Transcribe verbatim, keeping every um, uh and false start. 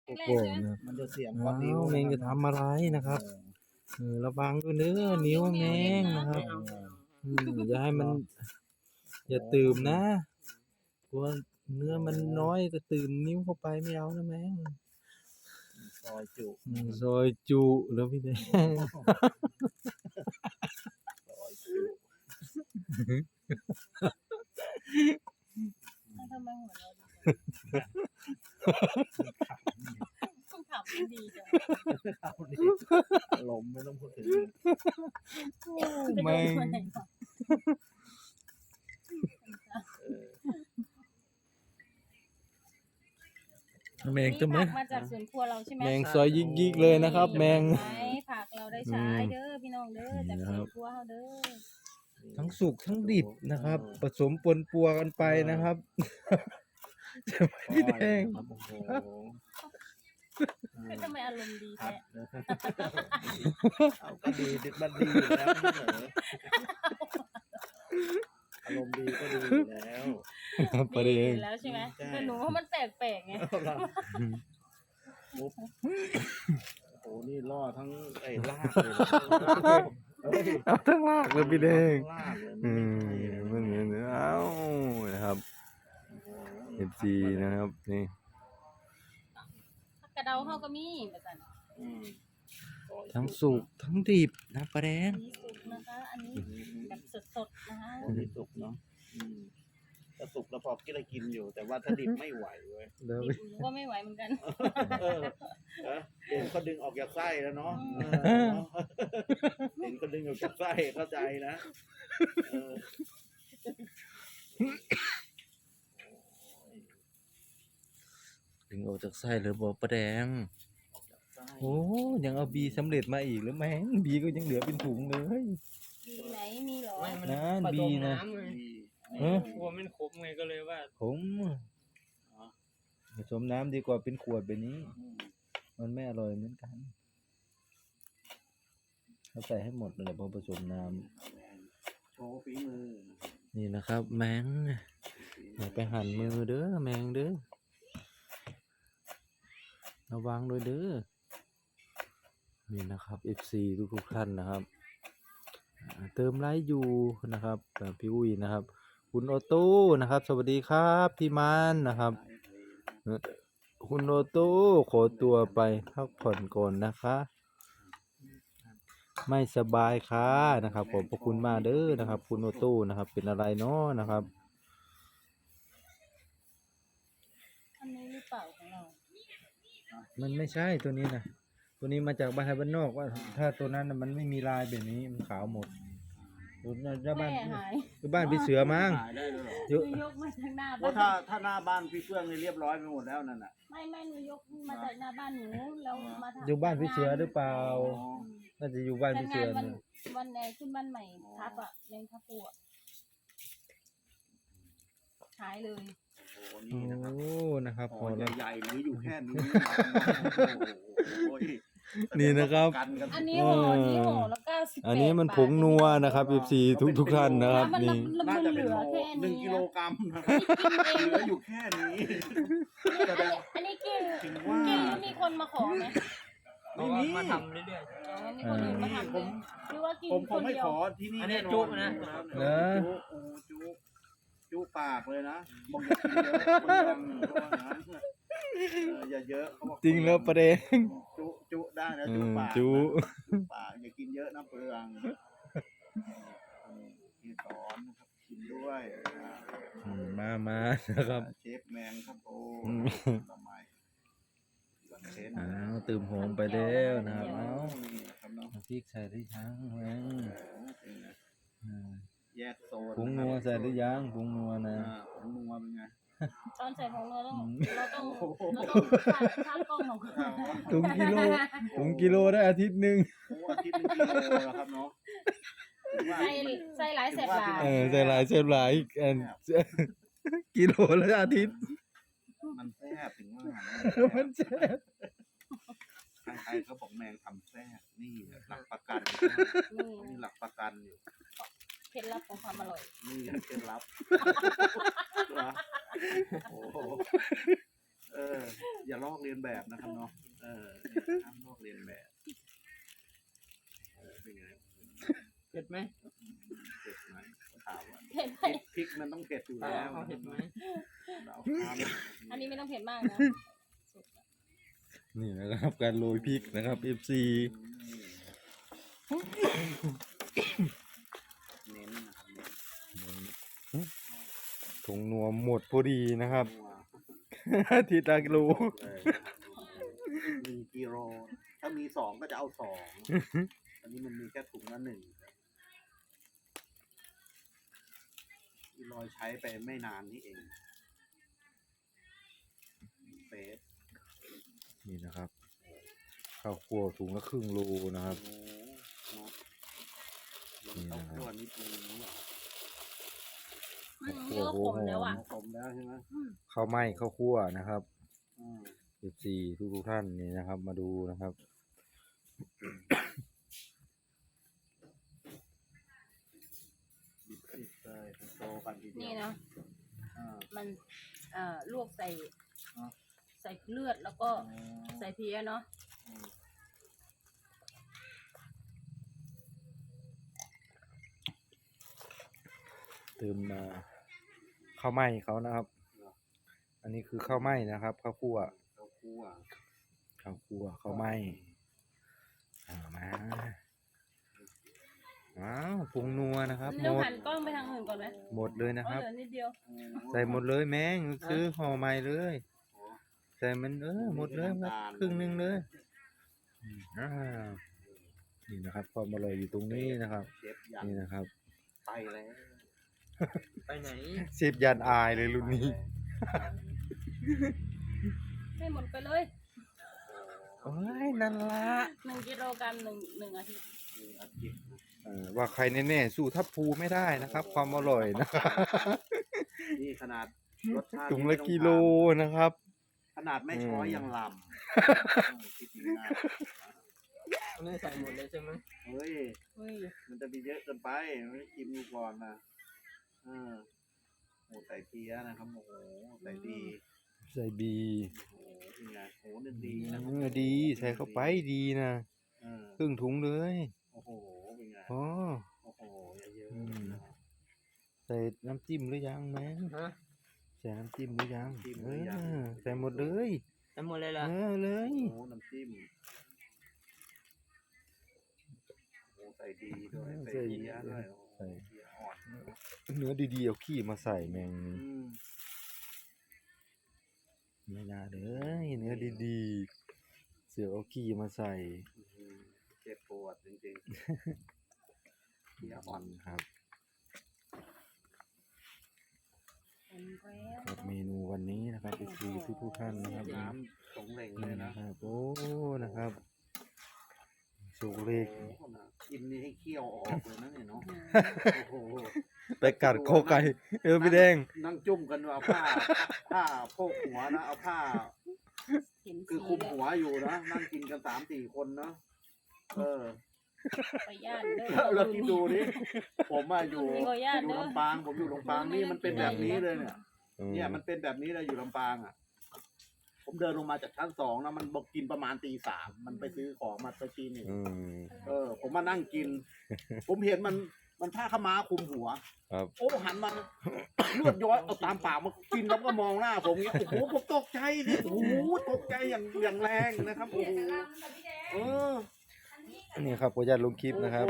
โกโก้นะมันจะเสียงก้ออ้านนิ้ววแมงจะทำอะไรนะครับเออระวังด้วยเนื้อนิ้วแมงนะครับอืมอย่าให้มัน อย่าตื่มนะกลัวเนื้อมันน้อยก็ตื่มนิ้วเข้าไปไม่เอานะแมงซอยจุอืมซอยจุแล้วพี่แดงซอยจุทำไมหัวเราดีต้องขับดีจังเอาดิลมไม่ต้องพูดถึงแมง แมงจะไหมผักมาจากสวนครัวเราใช่ไหมแมงซอยยิกๆเลยนะครับ แมงไหมผักเราได้ใช้เด้อพี่น้องเด้อจากสวนครัวเราเด้อทั้งสุกทั้งดิบนะครับ ผสมปนปัวกันไปนะครับจะไหมพี่แดงครับโอ้โหทำไมอารมณ์ดีครัแท้บเอาก็ดีมันดีอยู่แล้วไม่เหรออารมณ์ดีก็ดีอยู่แล้วประเด็นดีแล้วใช่ไหมแต่หนูว่ามันแปลกๆไงมุกโอ้โหนี่ล่อทั้งไอ้ลากเลยเฮ้ยเอาทั้งลากเลยพี่แดงลากเลยอืมมันเหมือนเอ้านะครับ เอฟซีนะครับนี่กระเดาเขาก็มีแบบนั้นอืมทั้งสุกทั้งดิบนะประเด็นอันนี้สุกนะคะ อันนี้แบบสดๆนะคะอันนี้สุกเนาะอืมถ้าสุกแล้วพอกินอะไรกินอยู่ แต่ว่าถ้าดิบไม่ไหวเว้ยเดี๋ยวดิบหนูก็ไม่ไหวเหมือนกันเออเออเห็นเขาดึงออกจากไส้แล้วเนาะเออเนาะเห็นเขาดึงออกจากไส้เข้าใจนะเออดึงออกจากไส้เลยบอกประแดงออกจากไส้โอ้ยังเอาบีสำเร็จมาอีกหรือแม่งบีก็ยังเหลือเป็นถุงเลยดีไหนมีเหรอไม่มันนั่นผบีสมนะน้ำไงดีเออกลัวมันขมไงก็เลยว่าผมผสมน้ำดีกว่าเป็นขวดแบบนี้อืมมันไม่อร่อยเหมือนกันเขาใส่ให้หมดเลยพอผสมน้ำโชว์ฝีมือนี่นะครับ แมงอย่าไปหั่นมือเด้อแมงเด้อระวังด้วยเด้อนี่นะครับ เอฟ ซี ทุกทุกๆท่านนะครับอ่าเติมไลค์อยู่นะครับแบบพี่อุ้ยนะครับ คุณโอโต้นะครับ สวัสดีครับพี่มานนะครับเอ่อคุณโอโต้ขอตัวไปพักผ่อนก่อนนะคะ ไม่สบายค่ะนะครับขอบพระคุณมากเด้อนะครับ คุณโอโต้นะครับ เป็นอะไรเนาะนะครับอันนี้หรือเปล่าของเรามันไม่ใช่ตัวนี้นะตัวนี้มาจากบ้านไทยบ้านนอกว่า ถ้าตัวนั้นน่ะมันไม่มีลายแบบนี้มันขาวหมดตัวนั้นจะบ้านแม่หายคือบ้านพี่เสือมั้งขายได้ด้วยเหรอเยอะหนูยกมาจากหน้าเพราะบ้าถ้าน ถ้าหน้าบ้านพี่เฟื่องนี่เรียบร้อยไปหมดแล้วนั่นน่ะไม่ไม่หนูยกมาจากหน้าบ้านหนูแล้วมาทำอยู่บ้านพี่เสือหรือเปล่าอ๋อน่าจะอยู่บ้านพี่เสือวันนะวันไหนขึ้นบ้านใหม่ทับอ่ะเลี้ยงทับปูอ่ะหายเลยโอ้โหโอ้นี่นะครับนะครับพห่ออแล้วใหญ่ๆหรืออยู่แค่นี้โอ้โหนี่นะครับกันกันอันนี้ห่อนี้ห่อแล้วเก้าสิบอันนี้มันผงนัวนะครับ เอฟ ซี ทุกทุกท่านนะครับมันนี่มันน่ามันจะเหเป็นลือโลแค่หนึ่งนี้กิโลกรัมนะครับเหลืออยู่แค่นี้แสดงอันนี้กินถึงว่ากินแล้วมีคนมาขอไหมเขาก็มาทำเรื่อยอ๋อมีคนอื่นมาทำไหมหรือว่ากินผมคคงนไม่เดียขวอที่นี่อันนี้แน่นอนจุ๊บนะเหรอจุ๊โอ้จุ๊จุ๊ปากเลยนะบอกอย่ากินเยอะคนดังเพราะว่างั้นเอออย่าเยอะเขาบอกจริงแล้วประเด็นจุ๊จุ๊ได้นะอืจุ๊มปากจุจุ๊ปากอย่ากินเยอะนะเปลืองที่สอนนะครับกินด้วยอ่าอืมมามานะครับเชฟแมนครับโอ้อืมทำไมหลังเชฟอ้าวตื่มโหมไปแล้วนะครับเอ้านี่ครับเนาะน้ำพริกใส่ได้ยังแมงโอ้เป็นไงอ่าแยกโซนผงนัวใส่ได้ยังผงนัวนะอ่าผงนัวเป็นไงตอนใส่ผงเราต้องอืมเราต้องเราต้องคาดคาดกล้องของเขาถุงกิโลถุงกิโลได้อาทิตย์หนึ่งโอ้อาทิตย์หนึงกิโลแล้วครับเนาะถือว่าใส่ใส่หลายแสบหลายเออใส่หลายเส้นหลายอันกิโลละอาทิตย์มันแซ่บถึงว่ามันแซ่บทางไทยเขาบอกแมงทำแซ่บนี่หลักประกันนี่นี่หลักประกันอยู่เคล็ดลับของความอร่อยนี่เคล็ดลับโอ้โหเออ อย่าลอกเลียนแบบนะครับเนาะเออห้ามลอกเลียนแบบเออเป็นไงเผ็ดไหมเผ็ดไหมถามว่าเผ็ดไหมพริกมันต้องเผ็ดอยู่เอาแล้วเอาเผ็ดไหมเราทำอันนี้ไม่ต้องเผ็ดมากนะนี่นะครับการโรยพริกนะครับ เอฟ ซีเน้นนะครับเน้นผงนัวหมดพอดีนะครับนัวทีตากิโลเลยหนึ่งกิโลถ้ามีสองก็จะเอาสองอันนี้มันมีแค่ถุงละหนึ่งที่ลอยใช้ไปไม่นานนี่เองเฟสนี่นะครับข้าวคั่วถุงละครึ่งโลนะครับโอ้โหเนาะมันต้องตัวนิดนึงเนาะอืมนี่ก็ขมแล้วอ่ะผมแล้วใช่ไหมข้าวไหม้ข้าวคั่วนะครับอืมเอฟซีทุกทุกๆท่านนี่นะครับ มาดูนะครับบิดติดเลยโตกันทีเดียวนี่นะอ่ามันเอ่อลวกใส่อ๋อใส่เลือดแล้วก็ใส่เพี้ยเนาะอืมเติมมาข้าวไหม้เขานะครับ อันนี้คือข้าวไหม้นะครับข้าวคั่วข้าวคั่วข้าวคั่วข้าวไหม้อ่ามาว้าวผงนัวนะครับหมเดี๋ยวดหันกล้องไปทางอื่นก่อนไหมหมดเลยนะเพคราะรับเหลือนิดเดียวโอ้ใส่หมดเลยแม่งซื้อห่อใหม่เลยโหใส่มันเออหมดเลยครับครึ่งหนึงเลยอืมอ่านี่นะครับความอร่อยอยู่ตรงนี้นะครับเชฟยันนี่นะครับไปแล้วไปไหนเชฟยันอายเลยรุ่นนี้ให้หมดไปเลยโอ้ยนั่นละหนึ่งกิโลกรัมหนึ่งหนึ่งอาทิตย์มีอาทิตย์นะเออว่าใครแน่ๆสู้ทัพภูไม่ได้นะครับ ความอร่อยนะครับนี่ขนาดรสชาติถุงนี่ละไม่ต้องกิโลถามนะครับขนาดไม่ช้อยอืมยังลำคิดดีนะไม่ได้ใส่หมดเลยใช่ไหมเฮ้ยเฮ้ย มันมันจะมีเยอะเกินไปไม่กินดูก่อนนะเออโอ้ใส่เพี้ยนะครับโอ้โหใส่ดีใส่บีโอ้โหเป็นไงโอ้โหนึกดีนะเออดีใส่เข้าไปดีนะเออครึ่งถุงเลยโอ้โหเป็นไงอ๋อโอ้โหเยอะอืมๆนะครับใส่น้ำจิ้มหรือยังแม่งฮะใส่น้ำจิ้มหรือยังจิ้มหเอรือยังอใส่หมดเลยใส่หมดเลยเอล่ะอเลยโอ้โหน้ำจิ้มโอ้โหใส่ดีด้วยใส่เพี้ยด้วยโอ้โหเพี้ยอ่อนเนื้อดีๆเอาขี้มาใส่แมงนี่อืมไม่น่าเลยเนื้อดีๆเสือเอาขี้มาใส่อื้อหือเจ็บปวดจริงๆเพี้ยอ่อนครับเห็นแล้วครับเมนูวันนี้นะครับอีกทีทุกทุกๆท่านนะครับน้ำสงเหลงเลนี่ยนะนะครับโอ้นะครับสุกเล็กโอ้โหนะกินนี่ให้เคี่ยวออกเลยนะเนี่ยเนาะโอ้โหไปกัดคอไก่เออพี่แดงนั่งจุ่มกันเอาผ้าผ้าโพกหัวนะเอาผ้าเห็นคือคุมหัวอยู่นะนั่งกินกันสามสี่คนนะเออไปย่านเด้แล้วอแล้วคิดดูดิผมอะอยู่มีขออนุญาตอยู่เด้อลำปางผมอยู่ลำปางนี่มันเป็นแบบนี้เลยเนี่ยอืมเนี่ยมันเป็นแบบนี้เลยอยู่ลำปางอ่ะ ผมเดินลงมาจากชั้นสองนะมันบอกกินประมาณตีสามมันไปซื้อของมาไปกินนี่อืมเออ ผมมานั่งกิน ผมเห็นมันมันผ้าขาวม้าคลุมหัวครับโอ้หันมาเลือดย้อยเอาตามปากมากินแล้วก็มองหน้าผมเงี้ยโอ้โหผมตกใจดิโอ้โหตกใจอย่างอย่างแรงนะครับโอ้โหเออนี่ครับขออนุญาตลงคลิปนะครับ